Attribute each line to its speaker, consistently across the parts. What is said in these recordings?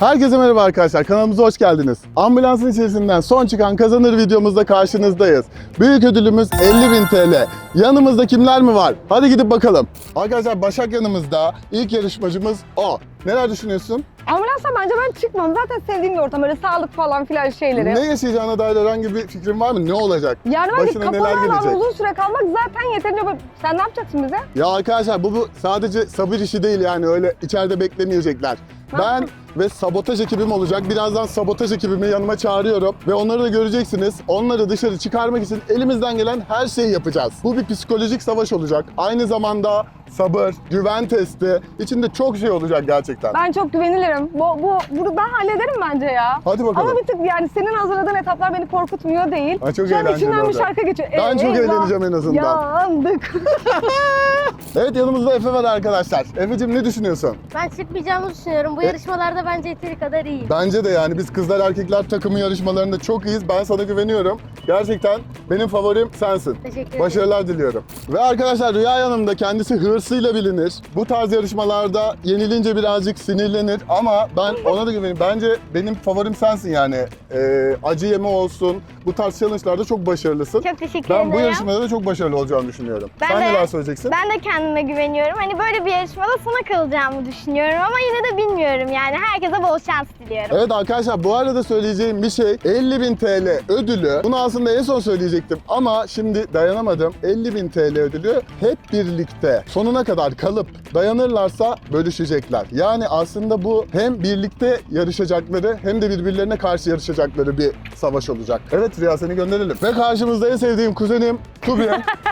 Speaker 1: Herkese merhaba arkadaşlar, kanalımıza hoş geldiniz. Ambulansın içerisinden son çıkan kazanır videomuzda karşınızdayız. Büyük ödülümüz 50.000 TL. Yanımızda kimler mi var? Hadi gidip bakalım. Arkadaşlar Başak yanımızda. İlk yarışmacımız o. Neler düşünüyorsun?
Speaker 2: Ambulansa bence ben çıkmam. Zaten sevdiğim bir ortam. Böyle sağlık falan filan şeyleri.
Speaker 1: Ne yaşayacağına dair herhangi bir fikrin var mı? Ne olacak?
Speaker 2: Yani bence
Speaker 1: Başına
Speaker 2: kapalı
Speaker 1: neler
Speaker 2: alan
Speaker 1: gelecek?
Speaker 2: uzun süre kalmak zaten yeterince... Sen ne yapacaksın bize?
Speaker 1: Ya arkadaşlar bu sadece sabır işi değil yani öyle içeride beklemeyecekler. Ben ve sabotaj ekibim olacak. Birazdan sabotaj ekibimi yanıma çağırıyorum ve onları da göreceksiniz. Onları dışarı çıkarmak için elimizden gelen her şeyi yapacağız. Bu bir psikolojik savaş olacak. Aynı zamanda sabır, güven testi. İçinde çok şey olacak gerçekten.
Speaker 2: Ben çok güvenilirim. Bunu ben hallederim bence ya.
Speaker 1: Hadi bakalım.
Speaker 2: Ama bir tık yani senin hazırladığın etaplar beni korkutmuyor değil.
Speaker 1: Ay, çok
Speaker 2: Şu an
Speaker 1: eğlenceli
Speaker 2: içinden bir
Speaker 1: olacak.
Speaker 2: şarkı geçiyor.
Speaker 1: Ben çok eğleneceğim en azından.
Speaker 2: Yandık.
Speaker 1: Evet, yanımızda Efe var arkadaşlar. Efe'cim ne düşünüyorsun?
Speaker 3: Ben çıkmayacağımı düşünüyorum. Bu yarışmalarda bence yeteri kadar iyiyim.
Speaker 1: Bence de yani biz kızlar erkekler takımı yarışmalarında çok iyiyiz. Ben sana güveniyorum. Gerçekten benim favorim sensin.
Speaker 3: Teşekkür ederim.
Speaker 1: Başarılar diliyorum. Ve arkadaşlar Rüya yanımda, kendisi hırsıyla bilinir. Bu tarz yarışmalarda yenilince birazcık sinirlenir ama ben ona da güveniyorum. Bence benim favorim sensin yani. Acı yeme olsun. Bu tarz challenge'larda çok başarılısın.
Speaker 3: Çok teşekkür ederim.
Speaker 1: Ben bu yarışmada da çok başarılı olacağını düşünüyorum.
Speaker 3: Ben
Speaker 1: Sen
Speaker 3: de-
Speaker 1: neler söyleyeceksin?
Speaker 3: Ben de kendime güveniyorum. Hani böyle bir yarışmada sona kalacağımı düşünüyorum ama yine de bilmiyorum yani. Herkese bol şans diliyorum.
Speaker 1: Evet arkadaşlar, bu arada söyleyeceğim bir şey, 50.000 TL ödülü. Bunu aslında en son söyleyecektim ama şimdi dayanamadım. 50.000 TL ödülü hep birlikte sonuna kadar kalıp dayanırlarsa bölüşecekler. Yani aslında bu hem birlikte yarışacakları hem de birbirlerine karşı yarışacakları bir savaş olacak. Evet Rüya, seni gönderelim. Ve karşımızda en sevdiğim kuzenim Tubi.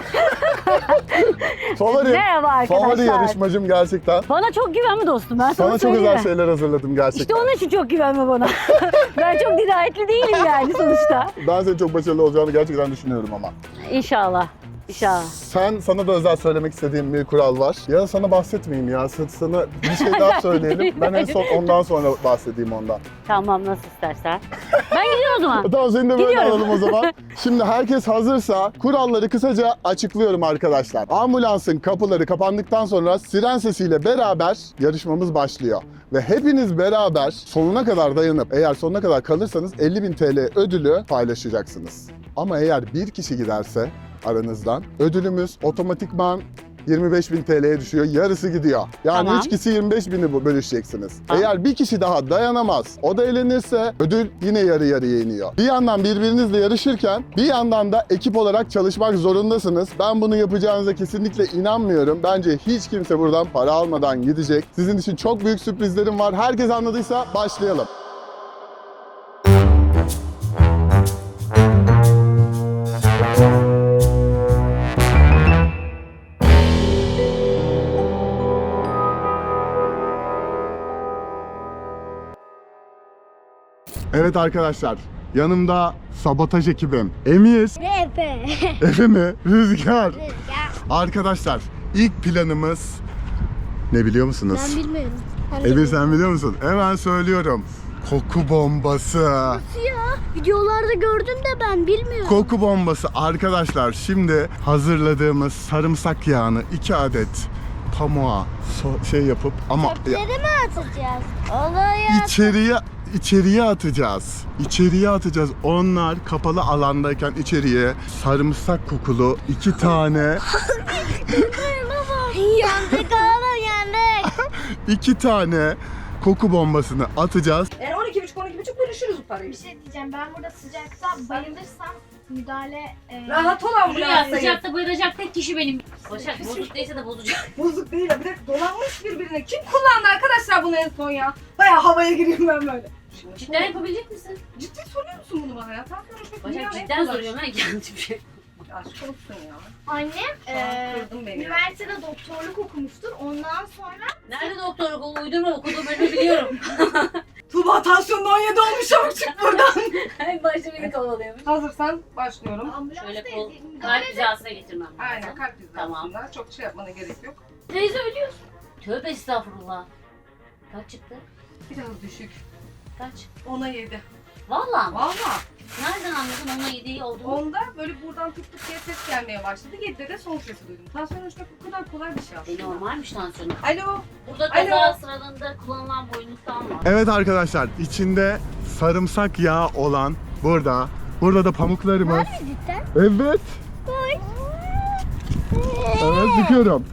Speaker 1: Favorim.
Speaker 4: Merhaba arkadaşlar.
Speaker 1: Favori yarışmacım gerçekten.
Speaker 4: Bana çok güvenme dostum. Ben sana
Speaker 1: Sana çok
Speaker 4: söyleyeyim
Speaker 1: özel
Speaker 4: mi?
Speaker 1: şeyler hazırladım gerçekten.
Speaker 4: İşte onun için çok güvenme bana. Ben çok dirayetli değilim yani sonuçta.
Speaker 1: Ben senin çok başarılı olacağını gerçekten düşünüyorum ama.
Speaker 4: İnşallah. İnşallah.
Speaker 1: Sana da özel söylemek istediğim bir kural var. Ya sana bahsetmeyeyim ya. Sana bir şey daha söyleyelim. Ben en son ondan sonra bahsedeyim ondan.
Speaker 4: Tamam, nasıl istersen. Ben gidiyorum o zaman.
Speaker 1: Tamam, seni de böyle
Speaker 4: Gidiyorum.
Speaker 1: alalım o zaman. Şimdi herkes hazırsa kuralları kısaca açıklıyorum arkadaşlar. Ambulansın kapıları kapandıktan sonra siren sesiyle beraber yarışmamız başlıyor. Ve hepiniz beraber sonuna kadar dayanıp eğer sonuna kadar kalırsanız 50.000 TL ödülü paylaşacaksınız. Ama eğer bir kişi giderse aranızdan ödülümüz otomatikman 25.000 TL'ye düşüyor. Yarısı gidiyor. Yani
Speaker 4: Tamam.
Speaker 1: 3 kişi 25.000'i bölüşeceksiniz.
Speaker 4: Tamam.
Speaker 1: Eğer bir kişi daha dayanamaz, o da elenirse ödül yine yarı yarıya iniyor. Bir yandan birbirinizle yarışırken bir yandan da ekip olarak çalışmak zorundasınız. Ben bunu yapacağınıza kesinlikle inanmıyorum. Bence hiç kimse buradan para almadan gidecek. Sizin için çok büyük sürprizlerim var. Herkes anladıysa başlayalım. Evet arkadaşlar, yanımda sabotaj ekibim. Emir,
Speaker 3: Efe.
Speaker 1: Efe mi? Rüzgar. Arkadaşlar, ilk planımız ne biliyor musunuz?
Speaker 3: Ben bilmiyorum.
Speaker 1: Emir, sen biliyor musun? Hemen söylüyorum. Koku bombası.
Speaker 3: Ya videolarda gördüm de ben bilmiyorum.
Speaker 1: Koku bombası arkadaşlar. Şimdi hazırladığımız sarımsak yağını 2 adet pamuğa şey yapıp ama
Speaker 3: Çöpleri mi atacağız? Olaya.
Speaker 1: İçeriye atacağız. İçeriye atacağız. Onlar kapalı alandayken içeriye sarımsak kokulu 2 tane
Speaker 3: Yandık oğlum yandık.
Speaker 1: 2 tane koku bombasını atacağız.
Speaker 2: Yani 12,5 bölüşürüz bu parayı.
Speaker 5: Bir şey diyeceğim. Ben burada sıcakta bayılırsam müdahale...
Speaker 2: Rahat ol
Speaker 4: Rüya
Speaker 2: ambulansa.
Speaker 4: sıcakta bayılacak tek kişi benim. Başak bozuk değilse de bozacak.
Speaker 2: Bozuk değil ya. Bir de dolanmış birbirine. Kim kullandı arkadaşlar bunu en son ya? Bayağı havaya gireyim ben böyle.
Speaker 4: Cidden yapabilecek misin?
Speaker 2: Ciddi soruyor musun bunu bana ya? Tam konuşmak
Speaker 4: Başak cidden soruyorum ha, yanlış bir şey.
Speaker 2: Aşk olsun ya.
Speaker 5: Annem
Speaker 2: Kırdın beni.
Speaker 5: üniversitede doktorluk okumuştur. Ondan sonra
Speaker 4: Nerede doktorluk o uydurma, okuduğum bölümü biliyorum.
Speaker 2: Tuğba tansiyonun 17 olmuş, çabuk çık buradan.
Speaker 4: En başta beni kovalıyormuş.
Speaker 2: Hazırsan başlıyorum.
Speaker 5: ambulansta
Speaker 4: Şöyle kol,
Speaker 5: müdahale
Speaker 4: kalp hizasına getirmem lazım.
Speaker 2: Aynen, kalp hizasında.
Speaker 4: Tamam.
Speaker 2: Çok şey yapmana gerek yok.
Speaker 4: Teyze ölüyorsun. Tövbe estağfurullah. Kaç çıktı?
Speaker 2: Biraz düşük.
Speaker 4: Kaç?
Speaker 2: 10'a 7.
Speaker 4: Vallahi mı?
Speaker 2: Valla.
Speaker 4: Nereden anladın onun yediği olduğunu?
Speaker 2: Onda böyle buradan tık tık diye ses gelmeye başladı. 7'de de son sesi duydum. Tansiyon ölçmek bu kadar kolay bir şey aslında.
Speaker 4: Normalmiş tansiyonu.
Speaker 2: Alo.
Speaker 4: Burada
Speaker 2: Alo.
Speaker 4: kaza sıralarında kullanılan boynluktan var.
Speaker 1: Evet arkadaşlar, içinde sarımsak yağı olan burada. Burada da pamuklarımız.
Speaker 3: Cidden.
Speaker 1: Evet. Evet, sıkıyorum.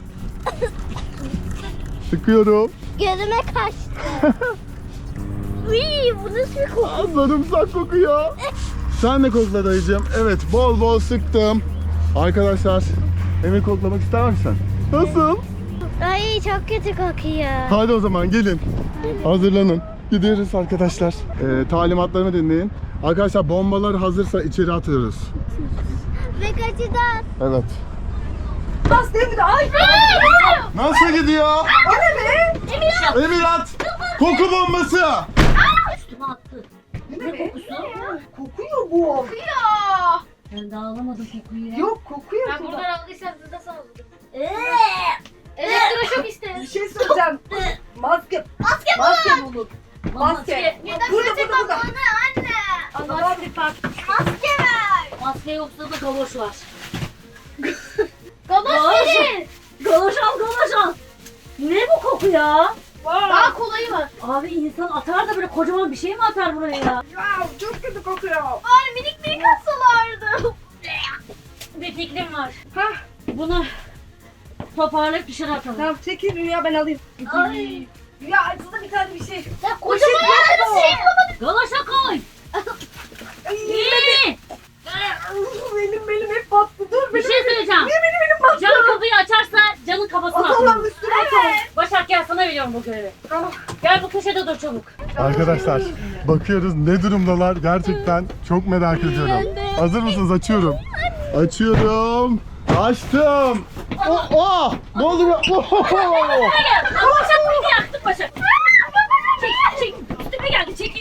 Speaker 1: Sıkıyorum.
Speaker 3: Gözüme kaçtı. Uy, bu nasıl bir koku?
Speaker 1: Aa, sarımsak kokuyor. Sen de kokla dayıcığım. Evet, bol bol sıktım. Arkadaşlar, Emir koklamak ister misin? Nasıl?
Speaker 3: Ay çok kötü kokuyor.
Speaker 1: Hadi o zaman gelin. Hazırlanın. Gidiyoruz arkadaşlar. Talimatlarımı dinleyin. Arkadaşlar bombalar hazırsa içeri atıyoruz.
Speaker 3: Ve kaçacağız.
Speaker 1: Evet.
Speaker 2: Bas değil mi de? Ay.
Speaker 1: Nasıl gidiyor?
Speaker 2: O ne be?
Speaker 1: Emir at. Koku bombası.
Speaker 4: Üstüme attı.
Speaker 2: Ne
Speaker 4: Ne
Speaker 2: be?
Speaker 4: kokusu?
Speaker 2: Kokuyor bu.
Speaker 4: Ben daha alamadım kokuyu ya.
Speaker 2: Yok kokuyor.
Speaker 5: Ben
Speaker 2: Tuba.
Speaker 5: buradan aldıysam siz de sana alın.
Speaker 4: Eee!
Speaker 5: Elektroşok işte.
Speaker 2: Bir şey söyleyeceğim. Maske. Maske bulun. Maske. Burada.
Speaker 3: Anne.
Speaker 2: Tamam.
Speaker 3: Maske ver.
Speaker 4: Maske yoksa da galoş var.
Speaker 5: Galoş verin.
Speaker 4: Galoş al, galoş al. Ne bu koku ya?
Speaker 5: Daha kolayı var.
Speaker 4: Abi insan atar da böyle kocaman bir şey mi atar buraya ya?
Speaker 2: Ya çok kötü kokuyor.
Speaker 3: Ay minik minik hastalardı.
Speaker 4: Bir fikrim var.
Speaker 2: Hah.
Speaker 4: Bunu toparlayıp dışarı atalım.
Speaker 2: Tamam çekil Rüya ben alayım.
Speaker 5: Ay.
Speaker 2: Rüya acıda bir tane bir şey.
Speaker 5: Ya kocaman bir şey yapamadım.
Speaker 4: Galoşa koy.
Speaker 2: Ay,
Speaker 4: İyi.
Speaker 2: benim hep battı. Dur
Speaker 4: Bir
Speaker 2: benim.
Speaker 4: şey söyleyeceğim.
Speaker 2: Benim battı.
Speaker 4: Can kapıyı açarsa canın kafasına
Speaker 2: Atalım
Speaker 4: atalım.
Speaker 2: üstüne atalım.
Speaker 4: Başak gel sana veriyorum bu görevi.
Speaker 2: Tamam.
Speaker 4: Gel bu köşede dur çabuk.
Speaker 1: Arkadaşlar bakıyoruz ne durumdalar gerçekten çok merak ediyorum. Hazır mısınız? Açıyorum. Açıyorum. Açtım. Oh, oh! Ne oldu be? Oh, oh, oh!
Speaker 4: Başak beni yaktın Başak. Çek. Üstüme geldi çekil.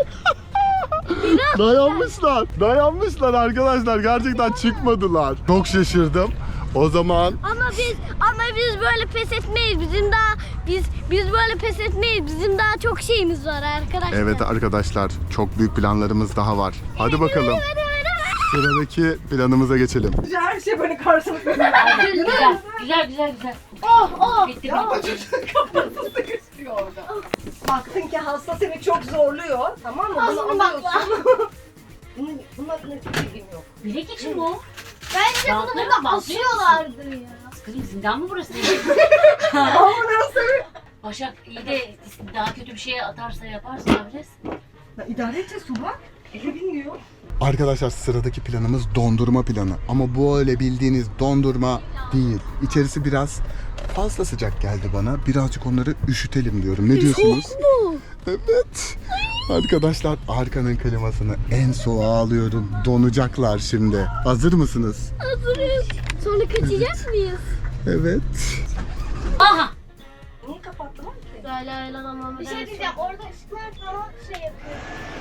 Speaker 1: Dayanmışlar arkadaşlar. Gerçekten çıkmadılar. Çok şaşırdım. O zaman
Speaker 3: Ama biz böyle pes etmeyiz. Biz böyle pes etmeyiz. Bizim daha çok şeyimiz var arkadaşlar.
Speaker 1: evet arkadaşlar çok büyük planlarımız daha var. Hadi bakalım. Sıradaki planımıza geçelim.
Speaker 2: Her şey böyle karşılıklı.
Speaker 4: Güzel.
Speaker 5: Oh.
Speaker 4: Bitti
Speaker 2: Ya
Speaker 4: bitti.
Speaker 2: çocuğun kafası sıkışıyor orada. Baktın ki hasta seni çok zorluyor. Tamam mı? Bunu
Speaker 5: Ağzını bakla.
Speaker 2: alıyorsun. Bunların hiçbir bilgim yok.
Speaker 4: Bilek için bu.
Speaker 5: Bence bunu
Speaker 4: Bantları
Speaker 5: burada
Speaker 4: bantlıyor musun?
Speaker 5: asıyorlardı ya.
Speaker 4: Kızım zindan mı burası?
Speaker 2: Ama nasıl?
Speaker 4: Başak iyi de daha kötü bir şeye atarsa yaparsa yapacağız.
Speaker 2: Ya idare edeceğiz Tuba. Eli bilmiyor.
Speaker 1: Arkadaşlar sıradaki planımız dondurma planı. Ama bu öyle bildiğiniz dondurma değil. İçerisi biraz fazla sıcak geldi bana. Birazcık onları üşütelim diyorum. Ne diyorsunuz? Evet. Arkadaşlar arkanın klimasını en soğuğa alıyorum. Donacaklar şimdi. Hazır mısınız?
Speaker 3: Hazırız. Sonra kaçacak mıyız?
Speaker 1: Evet.
Speaker 4: Aha!
Speaker 2: Niye kapattılar ki?
Speaker 5: Bir şey diyeceğim. Orada ışıklar falan şey yapıyor.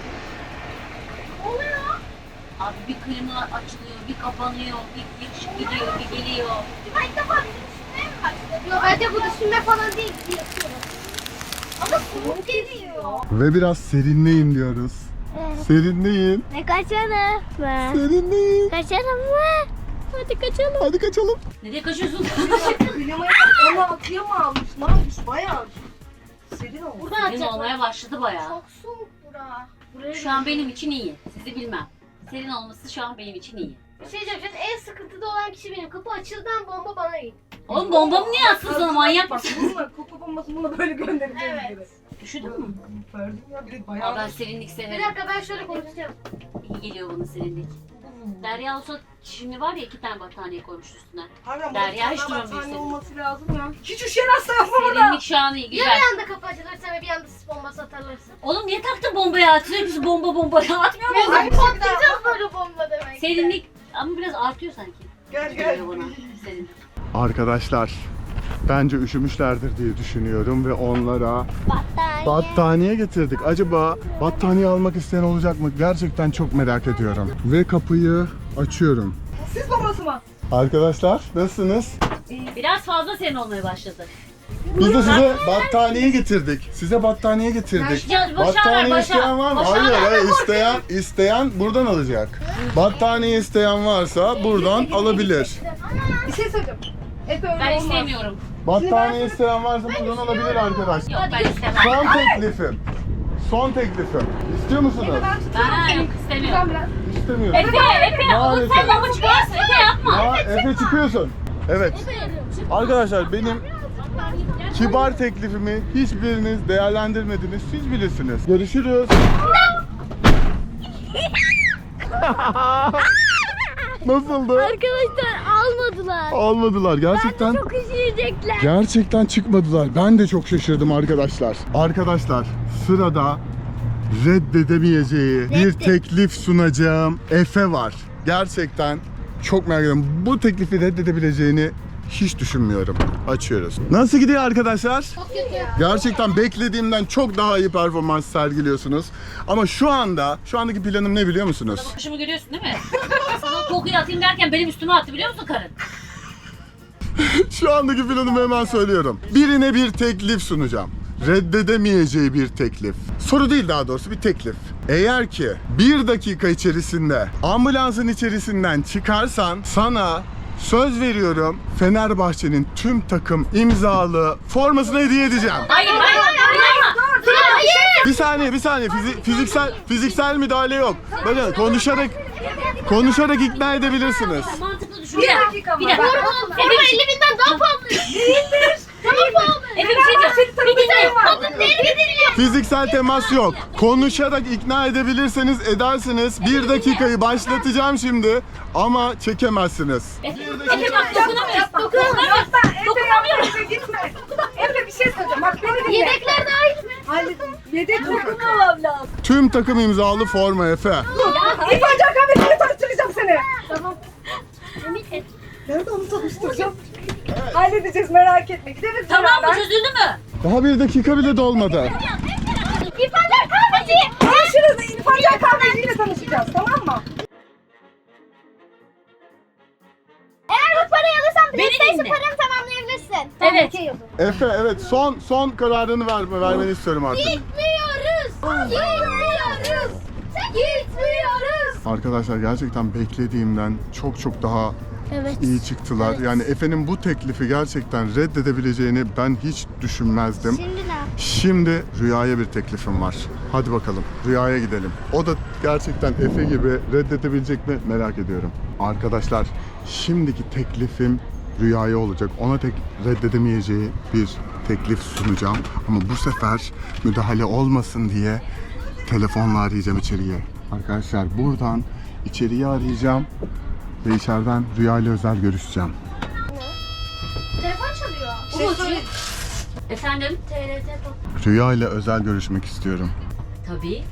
Speaker 4: Abi bir klima açılıyor, bir kapanıyor, bir ışık gidiyor, bir geliyor.
Speaker 5: Ben ilk defa bizim düşünmeye mi başladım? Yok bence bu düşünme falan değil. Yapıyorum. Ama soğuk geliyor.
Speaker 1: Ve biraz serinleyin diyoruz. Serinleyin.
Speaker 3: Ne kaçalım mı?
Speaker 1: Serinleyin.
Speaker 3: Kaçalım mı? Hadi kaçalım.
Speaker 1: Hadi kaçalım.
Speaker 4: Nereye kaçıyorsun?
Speaker 2: Klimayı onu akıya mı almış? Ne yapmış? Bayağı serin olmuş.
Speaker 5: Buradan
Speaker 4: Serin
Speaker 5: atacaklar.
Speaker 4: olmaya başladı bayağı.
Speaker 5: Çok soğuk bura. Buraya
Speaker 4: Şu an benim için iyi. Sizi bilmem. Serin olması şu an benim için iyi.
Speaker 5: Bir şey diyeceğim. Şu an en sıkıntıda olan kişi benim. Kapı açıldan bomba bana gitti.
Speaker 4: Oğlum bombamı niye atsın sana manyak
Speaker 2: Bak
Speaker 4: mısın?
Speaker 2: bununla koku bombasını bunu böyle göndereceğiz
Speaker 5: Evet.
Speaker 2: gibi.
Speaker 4: Üşüdün mü?
Speaker 2: Gördüm ya bir de
Speaker 4: Aa,
Speaker 2: bayağı.
Speaker 4: ben serinlik
Speaker 5: Bir
Speaker 4: severim.
Speaker 5: dakika ben şöyle konuşacağım.
Speaker 4: İyi geliyor bana serinlik. Derya olsa şimdi var ya 2 tane battaniye koymuş üstüne.
Speaker 2: Harbiden
Speaker 4: Derya hiç
Speaker 2: battaniye
Speaker 4: duramıyor senin.
Speaker 2: olması lazım ya. Hiç üşüyen hasta yapma burada.
Speaker 4: Serinlik şu an iyi
Speaker 5: Ya
Speaker 4: güzel.
Speaker 5: bir anda kapı açılırsa ve bir anda sis bombası atarlarsa?
Speaker 4: Oğlum niye taktın bombaya? Sürekli bomba atmıyor mu?
Speaker 2: Ay,
Speaker 5: Patlayacağız böyle bomba demek.
Speaker 4: Serinlik ama biraz artıyor sanki.
Speaker 2: Gel
Speaker 4: Geliyor bana serinlik.
Speaker 1: Arkadaşlar bence üşümüşlerdir diye düşünüyorum ve onlara
Speaker 3: Battaniye.
Speaker 1: battaniye getirdik. Acaba battaniye almak isteyen olacak mı? Gerçekten çok merak ediyorum. Ve kapıyı açıyorum.
Speaker 2: Siz bombası mı?
Speaker 1: Arkadaşlar nasılsınız?
Speaker 4: Biraz fazla serin olmaya başladı.
Speaker 1: Biz de size battaniye getirdik. Size battaniye getirdik.
Speaker 4: Ya Başar
Speaker 1: Battaniye
Speaker 4: ver,
Speaker 1: isteyen var mı?
Speaker 4: Başar ver.
Speaker 1: Hayır, isteyen buradan alacak. Battaniye isteyen varsa buradan alabilir.
Speaker 2: Bir şey söyleyeceğim. Efe öyle
Speaker 4: Ben
Speaker 2: olmaz.
Speaker 4: istemiyorum.
Speaker 1: Battaniye isteyen varsa buradan alabilir arkadaşlar.
Speaker 4: Yok ben istemem.
Speaker 1: Son teklifim. Son teklifim. İstiyor musunuz?
Speaker 2: Ben tutuyorum
Speaker 4: Ben
Speaker 2: seni.
Speaker 4: yok
Speaker 2: Sen
Speaker 4: istemiyorum.
Speaker 2: biraz.
Speaker 1: İstemiyorum.
Speaker 4: Efe, oğlum sen lafı çıkarsın. Efe yapma.
Speaker 1: Efe çıkıyorsun. Evet. Arkadaşlar benim kibar teklifimi hiçbiriniz değerlendirmediniz. Siz bilirsiniz. Görüşürüz. Nasıldı?
Speaker 5: Arkadaşlar almadılar.
Speaker 1: Almadılar gerçekten.
Speaker 5: Çok üşüyecekler.
Speaker 1: Gerçekten çıkmadılar. Ben de çok şaşırdım arkadaşlar. Arkadaşlar sırada reddedemeyeceği bir teklif sunacağım Efe var. Gerçekten çok merak ediyorum. Bu teklifi reddedebileceğini hiç düşünmüyorum. Açıyoruz. Nasıl gidiyor arkadaşlar?
Speaker 5: Çok kötü.
Speaker 1: Gerçekten beklediğimden çok daha iyi performans sergiliyorsunuz. Ama şu andaki planım ne biliyor musunuz?
Speaker 4: Kuşumu görüyorsun değil mi? Sana kokuyu atayım derken benim üstüme attı biliyor musun karın?
Speaker 1: Şu andaki planımı hemen söylüyorum. Birine bir teklif sunacağım. Reddedemeyeceği bir teklif. Soru değil, daha doğrusu bir teklif. Eğer ki 1 dakika içerisinde ambulansın içerisinden çıkarsan sana söz veriyorum Fenerbahçe'nin tüm takım imzalı formasını hediye edeceğim.
Speaker 4: Hayır.
Speaker 1: Bir saniye. Fiziksel müdahale yok. Bakın konuşarak ikna edebilirsiniz.
Speaker 4: Mantıklı düşün.
Speaker 2: Bir dakika
Speaker 4: Bir
Speaker 2: ama.
Speaker 4: dakika.
Speaker 5: Forma 50.000'den daha pahalı. Değildir. Daha pahalı.
Speaker 4: Efe bir şey diyeceğim. Bir dinle.
Speaker 5: Kadın nereye gidiliyor?
Speaker 1: Fiziksel temas yok. Konuşarak ikna edebilirseniz edersiniz. 1 dakikayı başlatacağım şimdi ama çekemezsiniz.
Speaker 4: Efe bak dokunamıyoruz.
Speaker 2: Dokunamıyoruz.
Speaker 4: Dokunamıyoruz.
Speaker 2: Efe gitme. Efe bir şey söyleyeceğim. Bak beni dinle.
Speaker 5: Yedekler dahil mi?
Speaker 2: Halledin. Yedek dokunamam lazım.
Speaker 1: Tüm takım imzalı forma Efe.
Speaker 2: İrfan Can kahvesiyle tanıştıracağım seni.
Speaker 5: Tamam.
Speaker 2: Nerede onu tanıştıracağım? Halledeceğiz, merak etme. Gideriz
Speaker 4: Tamam mı?
Speaker 2: beraber.
Speaker 4: Çözüldü mü?
Speaker 1: Daha 1 dakika bile dolmadı.
Speaker 5: İrfanlar kahveci.
Speaker 2: Görüşürüz. İrfan Can kahvesiyle tanışacağız, tamam mı?
Speaker 5: Eğer bu parayı alırsan
Speaker 4: Beni
Speaker 5: PlayStation
Speaker 4: dinle.
Speaker 5: paranı tamamlayabilirsin.
Speaker 4: Evet.
Speaker 1: Efe evet son kararını vermeni istiyorum artık.
Speaker 5: Gitmiyoruz. Gitmiyoruz. Gitmiyoruz.
Speaker 1: Arkadaşlar gerçekten beklediğimden çok daha
Speaker 5: Evet.
Speaker 1: iyi çıktılar. Yani Efe'nin bu teklifi gerçekten reddedebileceğini ben hiç düşünmezdim.
Speaker 5: Şimdi ne?
Speaker 1: Şimdi Rüya'ya bir teklifim var. Hadi bakalım Rüya'ya gidelim. O da gerçekten Efe gibi reddedebilecek mi merak ediyorum. Arkadaşlar şimdiki teklifim Rüya'ya olacak. Ona reddedemeyeceği bir teklif sunacağım. Ama bu sefer müdahale olmasın diye telefonla arayacağım içeriye. Arkadaşlar buradan içeriye arayacağım ve içeriden Rüya ile özel görüşeceğim.
Speaker 5: Telefon çalıyor.
Speaker 2: Şey
Speaker 4: Efendim?
Speaker 5: TRT top.
Speaker 1: Rüya ile özel görüşmek istiyorum.
Speaker 4: Tabii.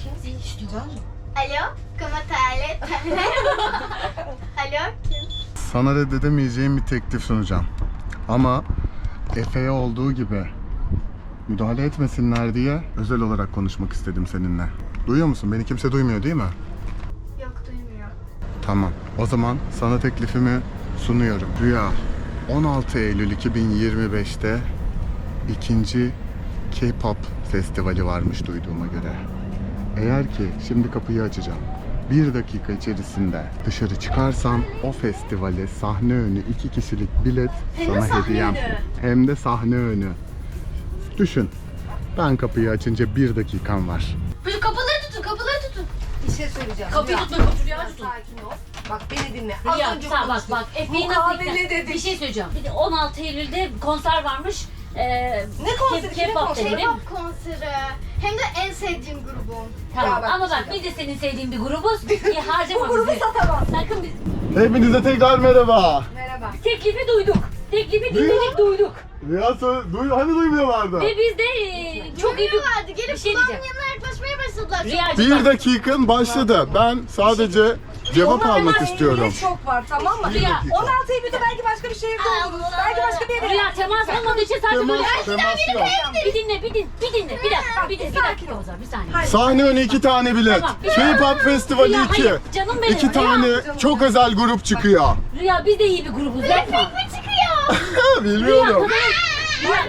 Speaker 5: Alo. Como tal? Alo. Kim?
Speaker 1: Sana reddedemeyeceğim bir teklif sunacağım. Ama Efe'ye olduğu gibi müdahale etmesinler diye özel olarak konuşmak istedim seninle. Duyuyor musun? Beni kimse duymuyor değil mi?
Speaker 5: Yok duymuyor.
Speaker 1: Tamam. O zaman sana teklifimi sunuyorum. Rüya, 16 Eylül 2025'te ikinci K-pop festivali varmış duyduğuma göre. Eğer ki şimdi kapıyı açacağım. 1 dakika içerisinde dışarı çıkarsam o festivale sahne önü 2 kişilik bilet sana hediyem. Hem de sahne önü. Düşün. Ben kapıyı açınca 1 dakikam var.
Speaker 5: Kapıları tutun.
Speaker 2: Bir şey söyleyeceğim.
Speaker 4: Kapıyı
Speaker 2: Rüya,
Speaker 4: tutma, kapıyı
Speaker 2: biraz
Speaker 4: tutun.
Speaker 2: sakin ol. Bak beni dinle.
Speaker 4: Rüya,
Speaker 2: Az önce
Speaker 4: sen bak
Speaker 2: konuştuk.
Speaker 4: bak. Efe'yi
Speaker 2: Bu
Speaker 4: nasıl
Speaker 2: kahve
Speaker 4: ikna-
Speaker 2: ne dedik?
Speaker 4: Bir şey söyleyeceğim. Bir de 16 Eylül'de konser varmış.
Speaker 2: Ne konseri? Kimin
Speaker 4: K-pop
Speaker 2: konseri?
Speaker 4: dedim.
Speaker 5: K-pop konseri. Hem de en sevdiğim grubum.
Speaker 4: Tamam
Speaker 2: Ya bak,
Speaker 4: ama
Speaker 2: bir şey
Speaker 4: bak biz de senin sevdiğin bir grubuz. İyi harcama
Speaker 2: Bu grubu
Speaker 4: bizi.
Speaker 2: satamaz.
Speaker 4: Sakın biz.
Speaker 1: Hepinize tekrar merhaba.
Speaker 2: Merhaba.
Speaker 4: Teklifi duyduk. Teklifi dinledik duyduk.
Speaker 1: Rüya hani duymuyorlardı?
Speaker 4: Ve biz de çok iyi bir...
Speaker 5: Duymuyorlardı.
Speaker 4: Bir
Speaker 5: Gelip
Speaker 4: şey
Speaker 5: kulağımın
Speaker 4: diyeceğim.
Speaker 5: yanına yaklaşmaya başladılar.
Speaker 4: Rüyacığım
Speaker 1: 1
Speaker 4: bak.
Speaker 1: dakikan başladı. Ben sadece cevap
Speaker 2: Ona
Speaker 1: almak
Speaker 2: hemen
Speaker 1: istiyorum.
Speaker 2: elimde çok var, tamam mı?
Speaker 4: Rüya.
Speaker 2: 16 Eylül'de belki başka bir şehirde oluruz. Belki başka bir yere.
Speaker 4: Rüya temas olmadığı için sadece böyle...
Speaker 1: Temas yok.
Speaker 4: Bir dinle. Bir dakika. Bir dakika o zaman. Bir saniye.
Speaker 2: Hayır.
Speaker 1: Sahne önü 2 tane bilet.
Speaker 4: Tamam.
Speaker 1: K-pop festivali
Speaker 4: Rüya,
Speaker 1: 2.
Speaker 4: hayır. Canım benim.
Speaker 1: 2
Speaker 4: Rüya.
Speaker 1: tane çok özel grup çıkıyor.
Speaker 4: Rüya biz de iyi bir grubuz yapma.
Speaker 5: Ne çıkıyor?
Speaker 1: Bilmiyorum.
Speaker 4: Rüya,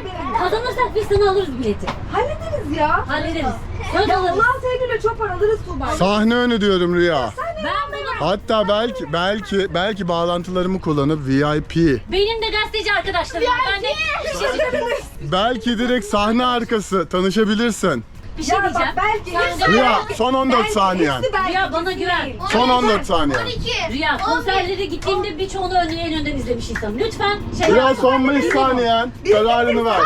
Speaker 4: Kazanırsak biz sana alırız bileti.
Speaker 2: Hallederiz ya.
Speaker 4: Hallederiz. Söz
Speaker 2: Ya
Speaker 4: alırız.
Speaker 2: 16 Eylül'e çok alırız Tuğba.
Speaker 1: Sahne önü diyorum Rüya.
Speaker 4: Ben bunu...
Speaker 1: Hatta belki bağlantılarımı kullanıp VIP.
Speaker 4: Benim de gazeteci arkadaşlarım var. Ben de bir şey söyleyeceğim.
Speaker 1: Belki direkt sahne arkası tanışabilirsin.
Speaker 4: Bir şey
Speaker 2: Ya bak
Speaker 4: diyeceğim.
Speaker 2: belki
Speaker 4: Sen-
Speaker 1: Rüya son 14 saniyen.
Speaker 4: Rüya bana güven.
Speaker 1: Son 14 saniye.
Speaker 5: 12.
Speaker 4: Rüya konserlere gittiğimde birçoğunu en önden izlemiş insanım. Lütfen
Speaker 1: Rüya son 5 saniyen. Kararını ver.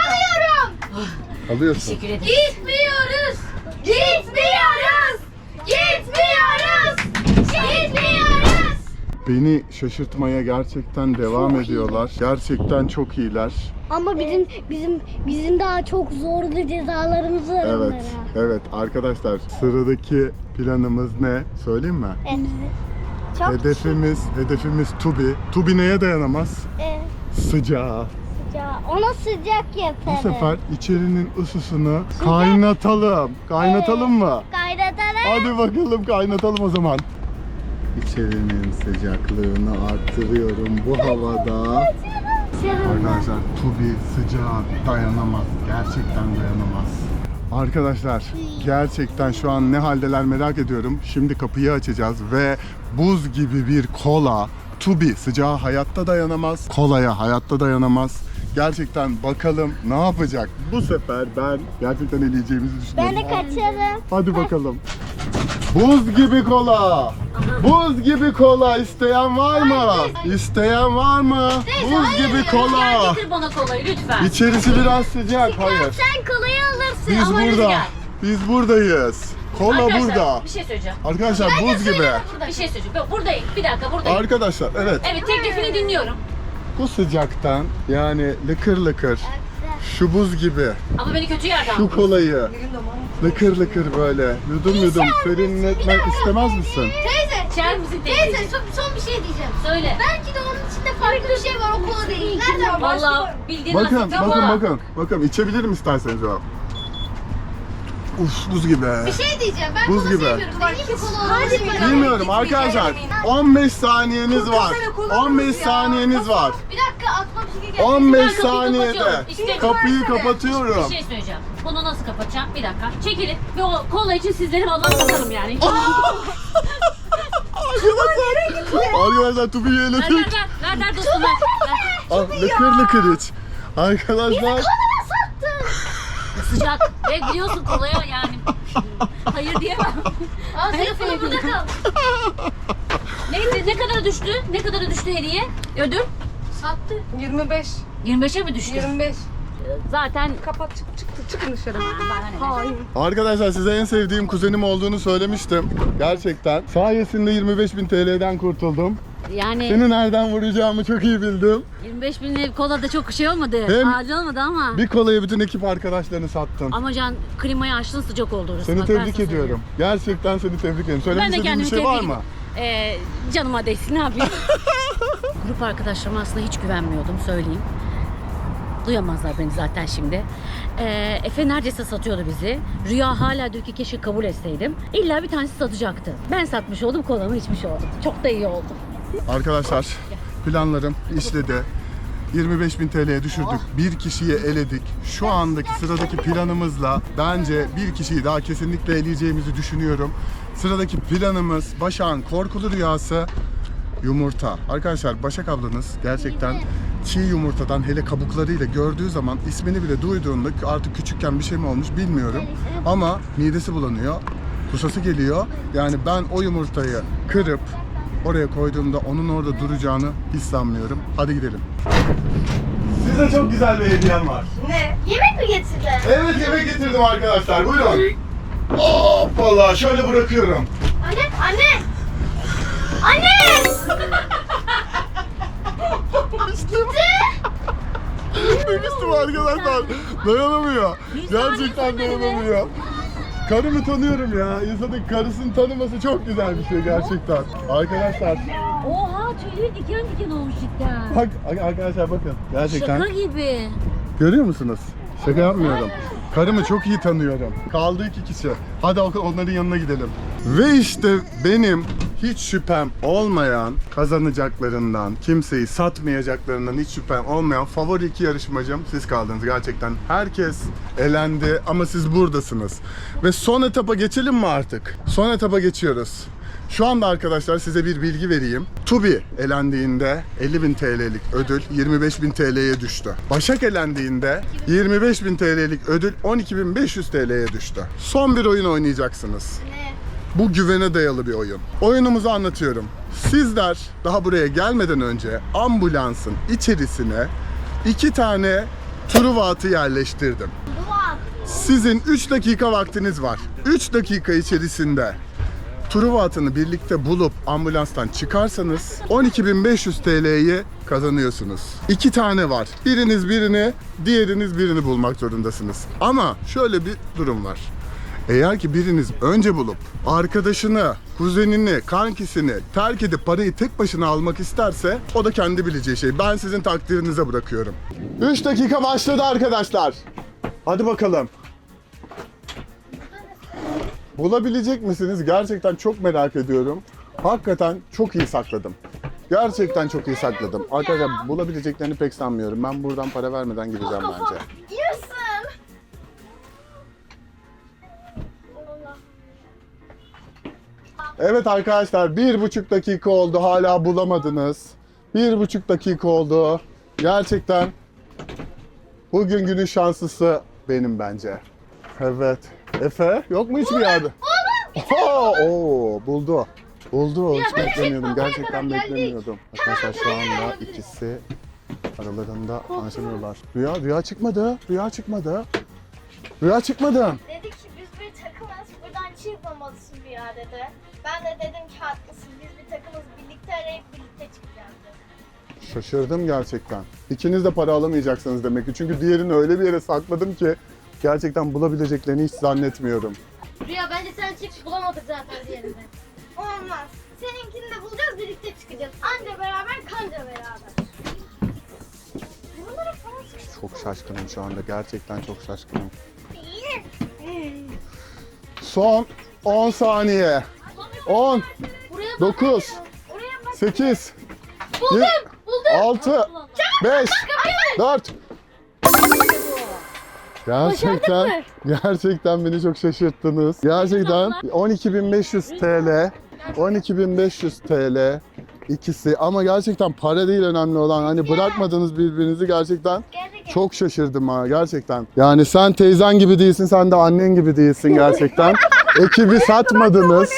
Speaker 1: Alıyorsun.
Speaker 4: Teşekkür ederim.
Speaker 5: Gitmiyoruz. Gitmiyoruz. Gitmiyoruz. Gitmiyoruz.
Speaker 1: Beni şaşırtmaya gerçekten devam ediyorlar. Gerçekten çok iyiler.
Speaker 3: Ama bizim daha çok zorlu cezalarımız var
Speaker 1: Evet, evet arkadaşlar sıradaki planımız ne? Söyleyeyim mi?
Speaker 3: Çok
Speaker 1: Hedefimiz Tubi. Tubi neye dayanamaz? Sıcağa.
Speaker 3: Ona sıcak
Speaker 1: Bu
Speaker 3: yaparız.
Speaker 1: sefer içerinin ısısını kaynatalım. Kaynatalım mı?
Speaker 3: Kaynatalım.
Speaker 1: Hadi bakalım kaynatalım o zaman. İçerinin sıcaklığını arttırıyorum bu havada. Arkadaşlar Tubi sıcağa dayanamaz. Gerçekten dayanamaz. Arkadaşlar gerçekten şu an ne haldeler merak ediyorum. Şimdi kapıyı açacağız ve buz gibi bir kola. Tubi sıcağa hayatta dayanamaz. Kolaya hayatta dayanamaz. Gerçekten bakalım ne yapacak. Bu sefer ben gerçekten eleyeceğimizi düşünüyorum.
Speaker 3: Ben de kaçarım.
Speaker 1: Hadi bakalım. Buz gibi kola. Buz gibi kola isteyen var mı? İsteyen var mı? Buz gibi
Speaker 4: Gel
Speaker 1: kola.
Speaker 4: getir bana kolayı lütfen.
Speaker 1: İçerisi biraz sıcak. Hayır.
Speaker 3: Sen kolayı alırsın.
Speaker 1: Biz
Speaker 4: ama öyle
Speaker 1: burada.
Speaker 4: gel.
Speaker 1: Biz buradayız. Kola
Speaker 4: Arkadaşlar,
Speaker 1: burada.
Speaker 4: bir şey söyleyeceğim.
Speaker 1: Arkadaşlar buz gibi.
Speaker 4: Bir şey söyleyeceğim. Ben buradayım. Bir dakika buradayım.
Speaker 1: Arkadaşlar evet.
Speaker 4: Evet teklifini dinliyorum.
Speaker 1: Bu sıcaktan yani lıkır lıkır şu buz gibi
Speaker 4: Ama beni kötü yerden.
Speaker 1: şu kolayı lıkır lıkır böyle yudum yudum serinletmek istemez misin?
Speaker 5: Teyze.
Speaker 4: İçer misin
Speaker 5: Teyze
Speaker 4: teyze?
Speaker 5: son bir şey diyeceğim.
Speaker 4: Söyle.
Speaker 5: Belki de onun içinde farklı bir şey var, o kola değil. Nereden
Speaker 4: Vallahi bildiğin
Speaker 1: Bakın
Speaker 4: asit
Speaker 1: bakın
Speaker 4: kola.
Speaker 1: bakın içebilirim isterseniz o. Uf buz gibi.
Speaker 5: Bir şey diyeceğim. Ben
Speaker 1: Buz
Speaker 5: kola
Speaker 1: gibi.
Speaker 5: sevmiyorum. Belki kola olabilir.
Speaker 1: Bilmiyorum arkadaşlar. 15 saniyeniz var. 15 saniyeniz var.
Speaker 5: Bir dakika aklıma bir şey geldi.
Speaker 1: 15
Speaker 4: Ben kapıyı
Speaker 1: saniyede
Speaker 4: kapatıyorum. İşte-
Speaker 1: kapıyı
Speaker 4: Bir
Speaker 1: kapatıyorum.
Speaker 4: şey söyleyeceğim. Bunu nasıl kapatacağım? Bir dakika. Çekilin. Ve o kola için sizleri vallahi satarım yani.
Speaker 1: Arkadaşlar Tubi'yi
Speaker 4: Ver
Speaker 1: eledik.
Speaker 4: ver dostum ver.
Speaker 1: Ah, lıkır lıkır iç. Arkadaşlar
Speaker 4: Sıcak. Ve biliyorsun kolaya yani. Hayır diyemem.
Speaker 5: Aa, telefonu burada kal.
Speaker 4: Neydi? Ne kadara düştü? Ne kadara düştü hediye? Ödül?
Speaker 5: Sattı.
Speaker 2: 25.
Speaker 4: 25'e mi düştü?
Speaker 2: 25.
Speaker 4: Zaten
Speaker 2: Kapat çıkın dışarı.
Speaker 4: Hayır.
Speaker 1: Arkadaşlar size en sevdiğim kuzenim olduğunu söylemiştim. Gerçekten. Sayesinde 25.000 TL'den kurtuldum.
Speaker 4: Yani
Speaker 1: Seni nereden vuracağımı çok iyi bildim.
Speaker 4: 25.000 kola da çok şey olmadı.
Speaker 1: Hem-
Speaker 4: Acil olmadı ama.
Speaker 1: Bir kolayı bütün ekip arkadaşlarını sattın.
Speaker 4: Ama Can klimayı açtın sıcak oldu orası.
Speaker 1: Seni
Speaker 4: Bak, ben
Speaker 1: tebrik
Speaker 4: sana
Speaker 1: ediyorum. Gerçekten seni tebrik ediyorum. Söylemek
Speaker 4: Ben de
Speaker 1: istediğin bir
Speaker 4: kendimi
Speaker 1: şey var
Speaker 4: tebrik
Speaker 1: mı?
Speaker 4: Canıma değsin ne yapayım? Grup arkadaşlarıma aslında hiç güvenmiyordum söyleyeyim. Duyamazlar beni zaten şimdi. Efe neredeyse satıyordu bizi. Rüya hala diyor ki keşke kabul etseydim. İlla bir tanesi satacaktı. Ben satmış oldum, kolamı içmiş oldum. Çok da iyi oldu.
Speaker 1: Arkadaşlar planlarım işledi. 25.000 TL'ye düşürdük. Bir kişiyi eledik. Şu andaki sıradaki planımızla bence bir kişiyi daha kesinlikle eleyeceğimizi düşünüyorum. Sıradaki planımız Başak'ın korkulu rüyası yumurta. Arkadaşlar Başak ablanız gerçekten çiğ yumurtadan hele kabuklarıyla gördüğü zaman ismini bile duyduğunda artık küçükken bir şey mi olmuş bilmiyorum. Ama midesi bulanıyor. Kusası geliyor. Yani ben o yumurtayı kırıp oraya koyduğumda onun orada duracağını hiç sanmıyorum. Hadi gidelim. Size çok güzel bir hediyem var.
Speaker 2: Ne?
Speaker 5: Yemek mi getirdin?
Speaker 1: Evet yemek getirdim arkadaşlar. Buyurun. Hoppala şöyle bırakıyorum.
Speaker 5: Anne, anne. Anne!
Speaker 1: Demiştim arkadaşlar. Dayanamıyor. Gerçekten dayanamıyor. Karımı tanıyorum ya. İnsanın karısını tanıması çok güzel bir şey gerçekten. Arkadaşlar
Speaker 4: Oha tüyleri diken diken olmuş cidden.
Speaker 1: bak arkadaşlar bakın. Gerçekten.
Speaker 4: Şaka gibi.
Speaker 1: Görüyor musunuz? Şaka yapmıyorum. Karımı çok iyi tanıyorum. Kaldı 2 kişi. Hadi onların yanına gidelim. Ve işte benim hiç şüphem olmayan kazanacaklarından, kimseyi satmayacaklarından hiç şüphem olmayan favori 2 yarışmacım siz kaldınız. Gerçekten herkes elendi ama siz buradasınız. Ve son etapa geçelim mi artık? Son etapa geçiyoruz. Şu anda arkadaşlar size bir bilgi vereyim. Tubi elendiğinde 50.000 TL'lik ödül 25.000 TL'ye düştü. Başak elendiğinde 25.000 TL'lik ödül 12.500 TL'ye düştü. Son bir oyun oynayacaksınız.
Speaker 5: Ne?
Speaker 1: Bu güvene dayalı bir oyun. Oyunumuzu anlatıyorum. Sizler daha buraya gelmeden önce ambulansın içerisine 2 tane Truva atı yerleştirdim.
Speaker 5: Dua.
Speaker 1: Sizin 3 dakika vaktiniz var. 3 dakika içerisinde Truva atını birlikte bulup ambulanstan çıkarsanız 12.500 TL'yi kazanıyorsunuz. 2 tane var. Biriniz birini, diğeriniz birini bulmak zorundasınız. Ama şöyle bir durum var. Eğer ki biriniz önce bulup arkadaşını, kuzenini, kankisini terk edip parayı tek başına almak isterse o da kendi bileceği şey. Ben sizin takdirinize bırakıyorum. 3 dakika başladı arkadaşlar. Hadi bakalım. Bulabilecek misiniz? Gerçekten çok merak ediyorum. Hakikaten çok iyi sakladım. Gerçekten çok iyi sakladım. Arkadaşlar bulabileceklerini pek sanmıyorum. Ben buradan para vermeden gideceğim bence.
Speaker 5: Yarısın.
Speaker 1: Evet arkadaşlar 1,5 dakika oldu. Hala bulamadınız. 1,5 dakika oldu. Gerçekten bugün günün şanslısı benim bence. Evet. Efe yok mu hiçbir yerde? Oo, buldu. Buldu. Hiç beklemiyordum. Gerçekten beklemiyordum. Arkadaşlar şu anda ikisi aralarında anlaşamıyorlar. Rüya çıkmadı. Rüya çıkmadı. Rüya çıkmadı.
Speaker 5: Dedik ki biz bir takımız, buradan çıkmamalısın bir yer dedi. Ben de dedim ki haklısın, biz bir takımız, birlikte arayıp birlikte çıkacağız dedim.
Speaker 1: Şaşırdım gerçekten. İkiniz de para alamayacaksınız demek ki. Çünkü diğerini öyle bir yere sakladım ki gerçekten bulabileceklerini hiç zannetmiyorum.
Speaker 5: Rüya bence sen çık, bulamadık zaten diğerinde. Olmaz. Seninkini de bulacağız, birlikte çıkacağız. Anca beraber, kanca beraber. Buralara falan sıkıştı.
Speaker 1: Çok şaşkınım şu anda. Gerçekten çok şaşkınım. Son 10 saniye. 10,
Speaker 5: Buraya
Speaker 1: 9,
Speaker 5: Oraya bak.
Speaker 1: 8,
Speaker 5: Buldum.
Speaker 1: 6, 5, 4. Gerçekten beni çok şaşırttınız. Gerçekten 12.500 TL, 12.500 TL ikisi ama gerçekten para değil önemli olan. Hani bırakmadınız birbirinizi gerçekten. Çok şaşırdım ha gerçekekten. Yani sen teyzen gibi değilsin, sen de annen gibi değilsin gerçekten. Ekibi satmadınız.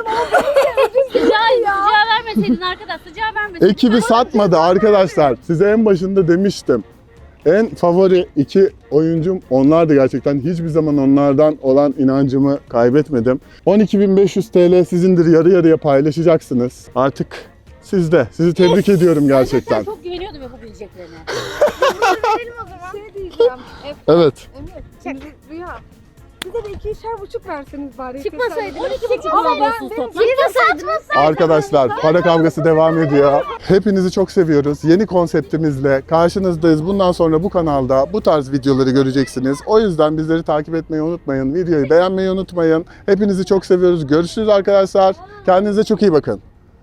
Speaker 4: Sıcağı vermeseydin arkadaş, sıcağı vermeseydin.
Speaker 1: Ekibi satmadı arkadaşlar. Size en başında demiştim. En favori 2 oyuncum onlardı gerçekten. Hiçbir zaman onlardan olan inancımı kaybetmedim. 12.500 TL sizindir, yarı yarıya paylaşacaksınız. Artık sizde. Sizi tebrik ediyorum gerçekten.
Speaker 4: Ben çok güveniyordum yapabileceklerine.
Speaker 2: Şey diyeceğim.
Speaker 1: Evet.
Speaker 2: Emir, şimdi Rüya. Bize de 2,5 verseniz bari.
Speaker 5: Çıkmasaydı.
Speaker 4: 12.5 alıyorsunuz toplam.
Speaker 1: Arkadaşlar para kavgası devam ediyor. Hepinizi çok seviyoruz. Yeni konseptimizle karşınızdayız. Bundan sonra bu kanalda bu tarz videoları göreceksiniz. O yüzden bizleri takip etmeyi unutmayın. Videoyu beğenmeyi unutmayın. Hepinizi çok seviyoruz. Görüşürüz arkadaşlar. Kendinize çok iyi bakın.